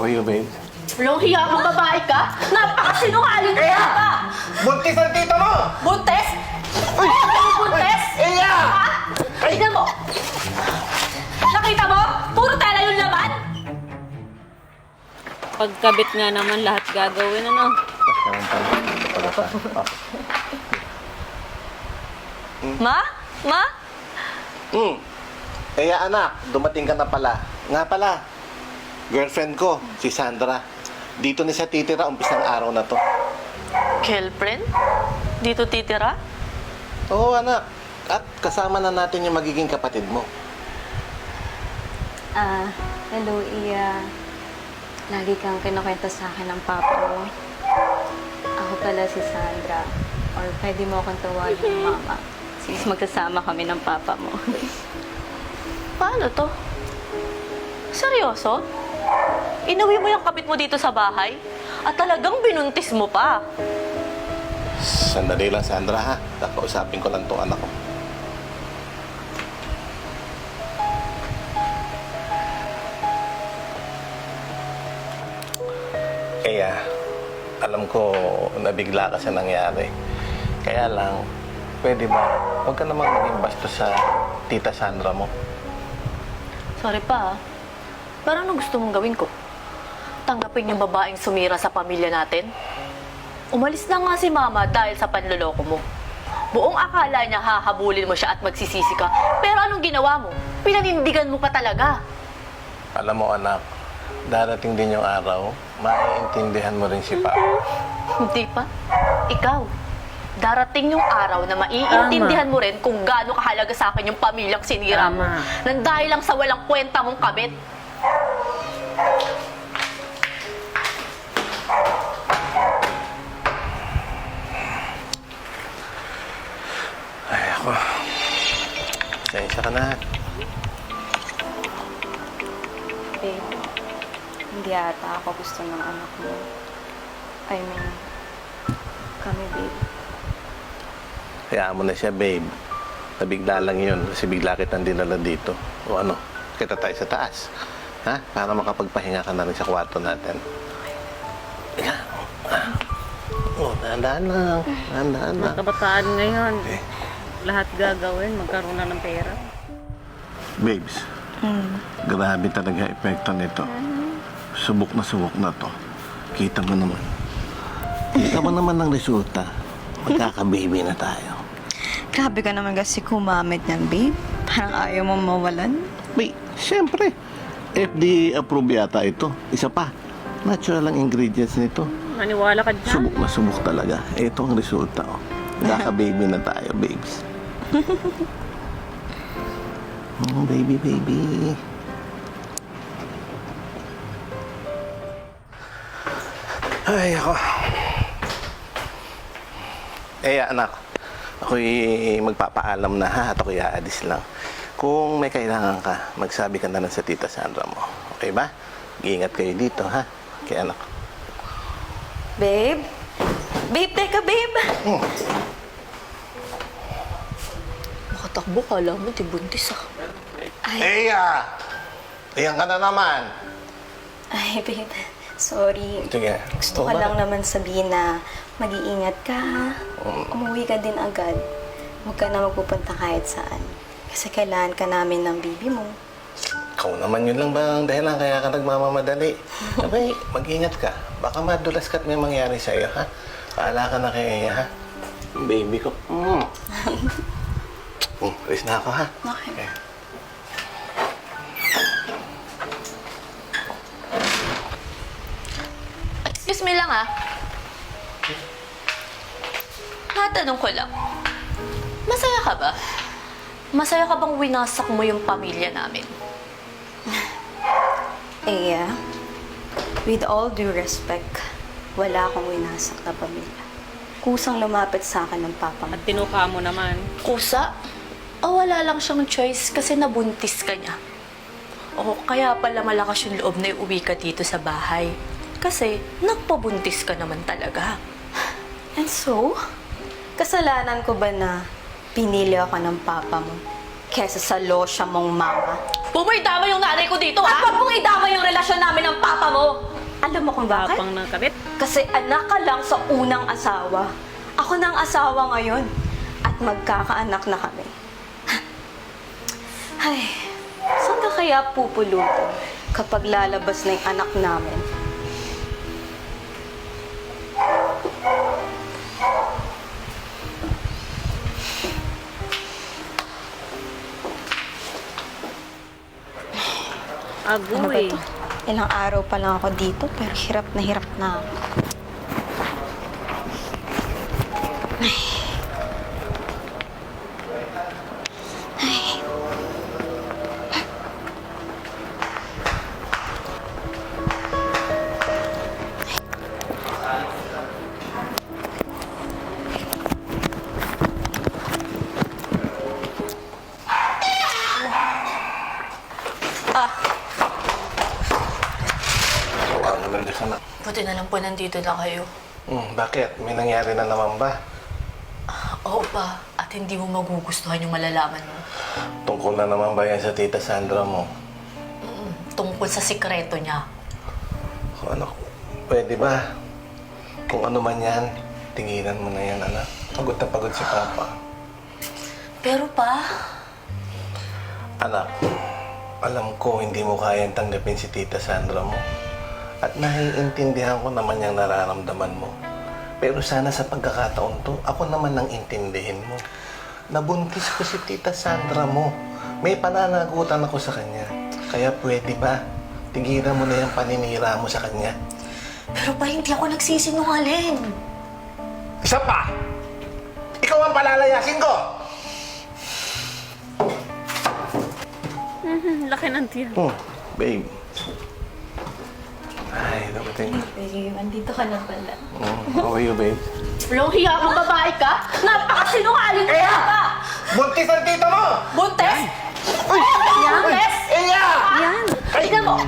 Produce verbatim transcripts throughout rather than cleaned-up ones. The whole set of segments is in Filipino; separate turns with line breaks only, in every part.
are you, babe?
Walang hiya kang babae ka? Napakasinungaling ka
Kaya!
ba?
Buntis ang tita mo!
Buntes? Ay! Buntes?
Iya!
Ha? Tignan mo! Nakita mo? Puro tela yung laman!
Pagkabit nga naman, lahat gagawin, ano?
Ma? Ma?
Hmm. Kaya anak, dumating ka na pala. Nga pala, girlfriend ko, si Sandra. Dito ni siya titira, umpisang araw na to.
Girlfriend? Dito titira?
Oo, anak. At kasama na natin yung magiging kapatid mo.
Ah, hello, Iya. Lagi kang kinukwento sa akin ng papa mo. Ako pala si Sandra. Or pwede mo akong tawagin mama. Since magsasama kami ng papa mo.
Paano to? Seryoso? Inuwi mo yung kapit mo dito sa bahay? At talagang binuntis mo pa?
Sandali lang, Sandra, ha? Kakausapin ko lang tong anak ko. Kaya, alam ko nabigla ka sa nangyari. Kaya lang, pwede ba, huwag ka namang maging bastos sa tita Sandra mo.
Sorry pa, ah. Pero ano gusto mong gawin ko? Tanggapin yung babaeng sumira sa pamilya natin? Umalis na nga si Mama dahil sa panloloko mo. Buong akala niya hahabulin mo siya at magsisisi ka. Pero anong ginawa mo? Pinanindigan mo pa talaga.
Alam mo, anak, darating din yung araw, maiintindihan mo rin si Papa.
Hindi pa. Ikaw. Darating yung araw na maiintindihan mo rin kung gaano kahalaga sa akin yung pamilyang sinira mo.
Tama.
Nang dahil lang sa walang kwenta mong kabit.
Ay, ako. Pasensya ka na.
Babe, hindi ata ako gusto ng anak mo. I mean, kami, babe.
Hayaan mo na siya, babe. Nabigla lang yun kasi bigla kitang dinala dito. O ano, kita tayo sa taas. Ha? Para makapagpahinga ka na rin sa kwarto natin. Ika. Oh, dahan-dahan lang. Dahan-dahan lang.
Kabataan ngayon,
Okay.
lahat gagawin, magkaroon na ng pera.
Babes, grabe talaga epekto nito. Subok na subok na to. Kita mo naman. Kita mo naman ang resulta. Magkaka-baby na tayo.
Grabe ka naman kasi kumamit niyan, babe. Parang ayaw mo mawalan.
Wait, siyempre. F D A approved yata ito. Isa pa. Natural ang ingredients nito.
Maniwala ka dyan.
Subok na subok talaga. Ito ang resulta. Oh. Magkaka-baby na tayo, babes. Oh, baby, baby. Ay, ako. Eh, anak. Ako'y magpapaalam na ha at ako'y aalis lang. Kung may kailangan ka, magsabi ka na lang sa tita Sandra mo. Okay ba? Iingat kayo dito, ha? Kaya anak.
Babe? Babe, teka, babe!
Hmm.
Makatakbo ka lang mo, di buntis ah.
Ay,
Eya! Ayan ka na naman.
ay, babe. Sorry.
Sige.
Gusto
Oo
ko
ba?
lang naman sabihin na mag-iingat ka, ha? Umuwi ka din agad. Huwag ka na magpupunta kahit saan. Kasi kailangan ka namin ng baby mo.
Ikaw naman yun lang bang dahilan kaya ka nagmamamadali. Sabay, mag-ingat ka. Baka madulas ka at may mangyari sa'yo, ha? Paala ka na kay Eya, ha? Yung baby ko. Mm. mm, alis na ako, ha?
Okay.
Okay.
Excuse me lang ah. Matanong ko lang. Masaya ka ba? Masaya ka bang winasak mo yung pamilya namin?
Eh, ah, with all due respect, wala akong winasak na pamilya. Kusang lumapit sa akin ng papa mo.
At tinuka mo naman.
Kusa? O wala lang siyang choice kasi nabuntis ka niya? O kaya pala malakas yung loob na iuwi ka dito sa bahay? Kasi nagpabuntis ka naman talaga.
And so, kasalanan ko ba na pinili ako ng papa mo kesa sa losya mong mama?
Huwag mo idama yung nanay ko dito, ha? At huwag mong idama yung relasyon namin ng papa mo!
kung bakit?
Tapang ng kabit.
Kasi anak ka lang sa unang asawa. Ako na ang asawa ngayon. At magkakaanak na kami. Ay, saan ka kaya pupulutin kapag lalabas na yung anak namin? Ano ba
Agoy.
ito? Ilang araw pa lang ako dito, pero hirap na hirap na ako.
Ang naman ka na.
Buti na lang po nandito na kayo.
Hmm, bakit? May nangyari na naman ba?
Oo pa, at hindi mo magugustuhan yung malalaman mo.
Tungkol na naman ba yan sa tita Sandra mo?
Mm, tungkol sa sikreto niya.
O ano, pwede ba? Kung ano man yan, tinginan mo na yan, anak. Pagod na pagod si Papa.
Pero pa,
Anak, alam ko hindi mo kayang tanggapin si tita Sandra mo. At naiintindihan ko naman yung nararamdaman mo. Pero sana sa pagkakataon to, ako naman nang intindihin mo. Nabuntis ko si tita Sandra mo. May pananagutan ako sa kanya. Kaya pwede ba? Tigilan mo na yung paninira mo sa kanya.
pero pa hindi ako nagsisinungaling.
Isa pa! Ikaw ang palalayasin ko!
Mhm, laki ng tiyan.
Hmm, babe. Ay, dapating.
Babe, andito ka na pala.
Hmm, how are you, babe?
Walang hiya kang babae ka? Napakasinungaling mo ka!
Buntis ang tita mo!
Buntes!
Uy!
Buntes!
Iya!
Ayan! Tignan mo!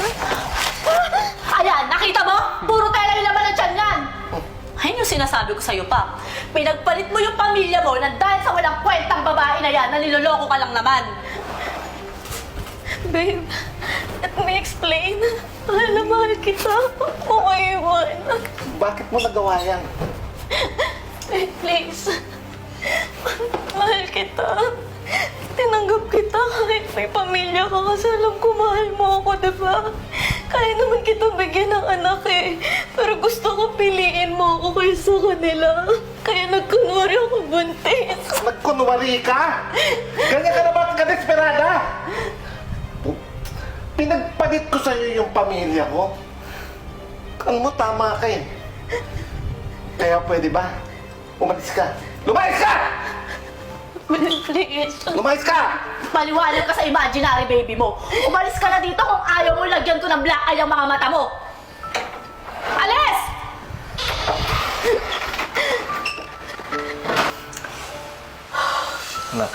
Ayan, nakita mo? Puro tela yung laman ng tiyan yan! Ayun yung sinasabi ko sa'yo pa. Pinagpalit mo yung pamilya mo na dahil sa walang kwentang babae na yan na niloloko ka lang naman. Babe, let me explain. Mahal na mahal kita. Huwag mo ko iwan.
Bakit mo nagawa yan?
Babe, please. Mahal kita. Tinanggap kita kahit may pamilya ka kasi alam ko mahal mo ako, diba? Kaya naman kita bigyan ng anak eh. Pero gusto ko piliin mo ako kaysa kanila. Kaya nagkunwari ako buntis.
Nagkunwari ka? Ganyan ka na ba ka-desperada? Pinagpalit ko sa'yo yung pamilya ko. Kan mo, tama ka eh. Kaya pwede ba? Umalis ka. Lumayas ka!
Please.
Lumayas ka!
Paliwanag ka sa imaginary baby mo. Umalis ka na dito kung ayaw mo lagyan ko ng black eye ang mga mata mo. Alis!
Anak.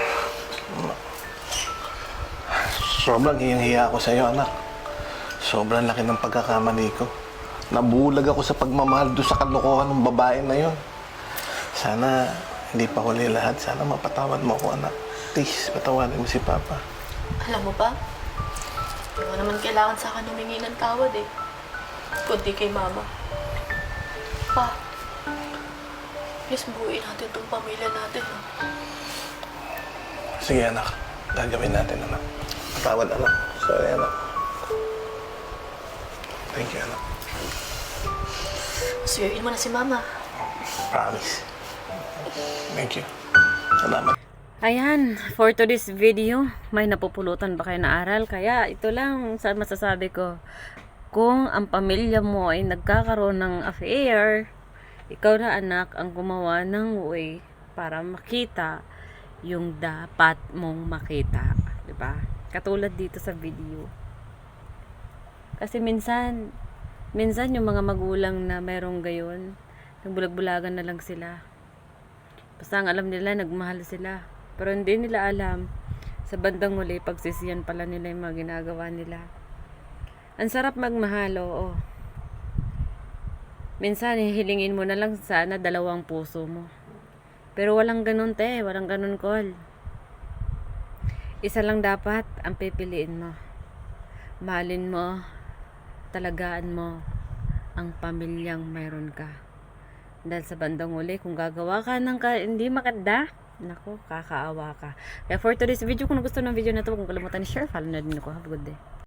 Sobrang hiyang-hiya ako sa'yo, anak. Sobrang laki ng pagkakamali ko. Nabulag ako sa pagmamahal doon sa kalokohan ng babae na yun. Sana hindi pa huli lahat. Sana mapatawad mo ako, anak. Please, patawarin mo si Papa.
Alam mo ba? Hindi mo naman kailangan sa akin humingi ng tawad eh. Kundi kay Mama. Pa, please buuin natin itong pamilya natin. Ha?
Sige, anak. Gagawin natin, anak. Patawad, anak. Sorry, anak. Thank you, anak.
Suyuin mo na si Mama.
Promise. Thank you. Salamat.
Ayan, for today's video, may napupulutan ba kayo na aral? Kaya ito lang sa masasabi ko. Kung ang pamilya mo ay nagkakaroon ng affair, ikaw na anak ang gumawa ng way para makita yung dapat mong makita. Diba? Katulad dito sa video. Kasi minsan, minsan yung mga magulang na merong gayon, nagbulag-bulagan na lang sila. Basta ang alam nila, nagmahal sila. Pero hindi nila alam, sa bandang huli, pagsisiyan pala nila yung mga ginagawa nila. Ang sarap magmahal, oo. Minsan, hihilingin mo na lang sana dalawang puso mo. Pero walang ganun, te. Walang ganun, call. Isa lang dapat ang pipiliin mo. Mahalin mo, talagaan mo, ang pamilyang mayroon ka. Dahil sa bandang uli, kung gagawa ka ng ka, hindi maganda, naku, kakaawa ka. Kaya for today's video, kung gusto ng video na to, kung kalimutan ni share, follow na din ako. Have a good day.